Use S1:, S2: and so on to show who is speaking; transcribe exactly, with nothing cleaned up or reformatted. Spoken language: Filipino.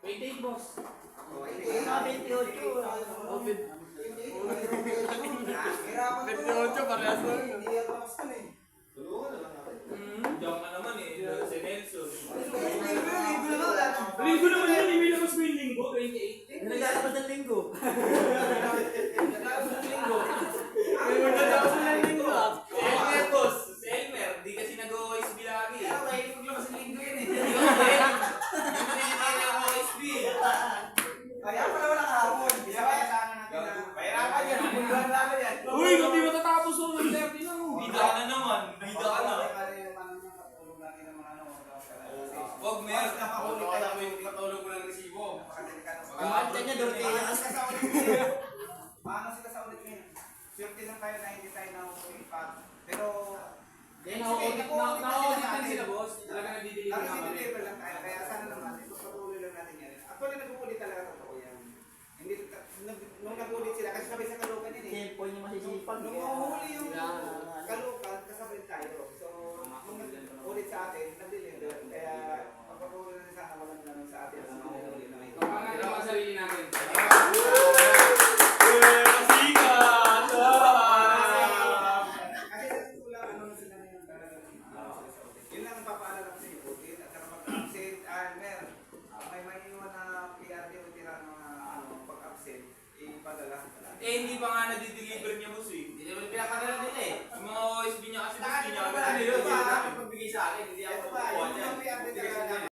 S1: twenty-eight, boss.
S2: twenty-eight, twenty-eight.
S1: twenty-eight, parehas lang.
S2: Hindi yan lakas ka na eh. Tulungan na lang natin.
S3: Diyan ka naman eh, si Nelson.
S1: Linggo naman yan, hindi labas mo yung linggo, twenty-eight.
S2: Naglalabas ng linggo.
S1: Naglalabas ng linggo. Naglalabas ng linggo ah.
S3: Si Elmer, boss. Si Elmer, di kasi nag-O S B lagi.
S2: Kaya may maglabas ng linggo yun eh.
S3: Hindi hindi nag-O S B.
S2: Kaya pala wala kahapon. Kaya kaya sana natin na. Pahirapan yan. Pagbulan namin yan.
S1: Uy, kung di matatapos mo, nag thirty lang oh.
S3: Bida ka na naman. Bida ka na. Wag mer.
S2: Nakahuli tayo.
S3: Patulog mo ng resibo.
S2: Ang antya niya doon kaya. Paano sila sa ulit ngayon? Swerte lang tayo na hindi tayo nahuhuli pa. Pero
S1: Then, na-audit na sila, boss. Talaga nagdi-deliver
S2: Tapos
S1: na kami.
S2: i-deliver lang tayo. Kaya sana naman, ipagpatuloy lang natin yan. Actually, nag-uulit talaga totoo yan. Hindi, nag- nung nag-uulit sila, kasi sabay sa Caloocan yun eh.
S4: Cellphone yung masisipag.
S2: Nung mahuhuli yung Caloocan, kasabay tayo. So, nung nag-uulit sa atin, nag-deliver. Kaya, pagpatuloy lang sana, walang naman sa atin. Ang mahuhuli na may
S1: Kapangalan ang sarili natin.
S2: Kasi sa tula, ano na sila ngayon talaga. Yun lang ang papaalala ko sa iyo. At saka pag-absent, ah, mer, may maiiwan na P R D o tira ng ano, pag-absent, ipadala.
S3: Eh, hindi pa nga na-deliver niya, boss eh.
S4: Hindi naman pinapadala nila eh.
S3: Yung mga O S B niya kasi, boss,
S4: Saka
S3: hindi
S4: di
S3: niya
S4: naman
S3: agad
S4: ano yun,
S3: na-deliver.
S4: pagbigay sa akin.